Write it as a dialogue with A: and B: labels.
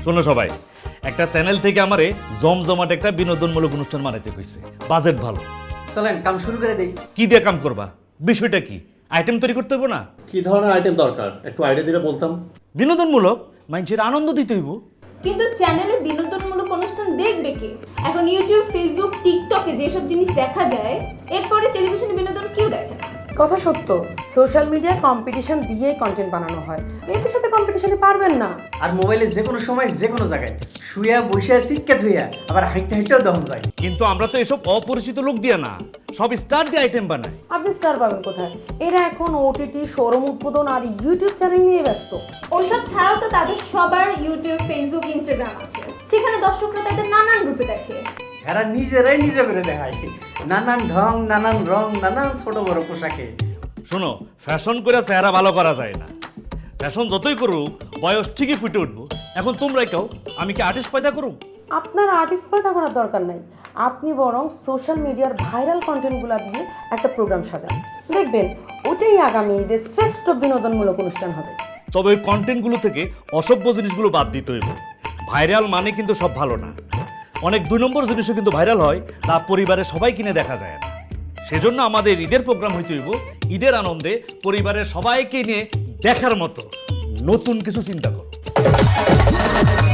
A: শোনো সবাই, একটা চ্যানেল থেকে আমারে জমজমাট একটা বিনোদনমূলক অনুষ্ঠান বানাইতে কইছে, বাজেট ভালো।
B: চলেন কাম শুরু করে দেই।
A: কি দিয়ে কাম করবা? বিষয়টা কি? আইটেম তৈরি করতে হইব না?
C: কি ধরনের আইটেম দরকার একটু আইডিয়া দিলে বলতাম।
A: বিনোদনমূলক, মানুষের আনন্দ দিতে হইব।
D: কিন্তু চ্যানেলে বিনোদনমূলক অনুষ্ঠান দেখবে কে? এখন ইউটিউব, ফেসবুক, টিকটকে যেসব জিনিস দেখা যায়, এরপরে টেলিভিশনে বিনোদন কেউ দেখে না।
E: কথা সত্য, সোশ্যাল মিডিয়ায় কম্পিটিশন দিয়েই কন্টেন্ট বানানো হয়, এদের সাথে কম্পিটিশনে পারবেন না।
B: আর মোবাইলে যে কোনো সময় যে কোনো জায়গায় শুয়া বসে সিটকে ধুইয়া আবার হাইটে হাইটেও দহন যায়।
A: কিন্তু আমরা তো এসব অপরিচিত লোক দিয়ে না, সব স্টার দিয়ে আইটেম বানাই।
E: আপনি স্টার পাবেন কোথায়? এরা এখন ওটিটি, শোরুম উদ্বোধন আর ইউটিউব চ্যানেল নিয়ে ব্যস্ত।
D: ওইসব ছাড়াও তো তাদের সবার ইউটিউব, ফেসবুক, ইনস্টাগ্রাম আছে, সেখানে দর্শকরা তাদের নানান রূপে দেখে।
B: এরা নিজেরাই নিজে করে দেখায়, নানান ঢং, নানান রং, নানান ছোট বড় পোশাকে।
A: শোনো, ফ্যাশন করে চেহারা ভালো করা যায় না। ফ্যাশন যতই করুক, বয়স ঠিকই ফুটে উঠবো। এখন তোমরাই কাও, আমি কি আর্টিস্ট পয়দা করুম?
E: আপনার আর্টিস্ট পয়দা করার দরকার নাই, আপনি বরং সোশ্যাল মিডিয়ার ভাইরাল কন্টেন্টগুলো দিয়ে একটা প্রোগ্রাম সাজান, দেখবেন ওটাই আগামী ঈদের শ্রেষ্ঠ বিনোদনমূলক অনুষ্ঠান হবে।
A: তবে ওই কন্টেন্টগুলো থেকে অসভ্য জিনিসগুলো বাদ দিতে হইব। ভাইরাল মানে কিন্তু সব ভালো না। অনেক 2 নম্বর জিনিসও কিন্তু ভাইরাল হয়, তা পরিবারের সবাই কিনে দেখা যায় না। সেজন্য আমাদের ঈদের প্রোগ্রাম হইতে হইব ঈদের আনন্দে পরিবারের সবাইকে নিয়ে দেখার মতো নতুন কিছু চিন্তা করো।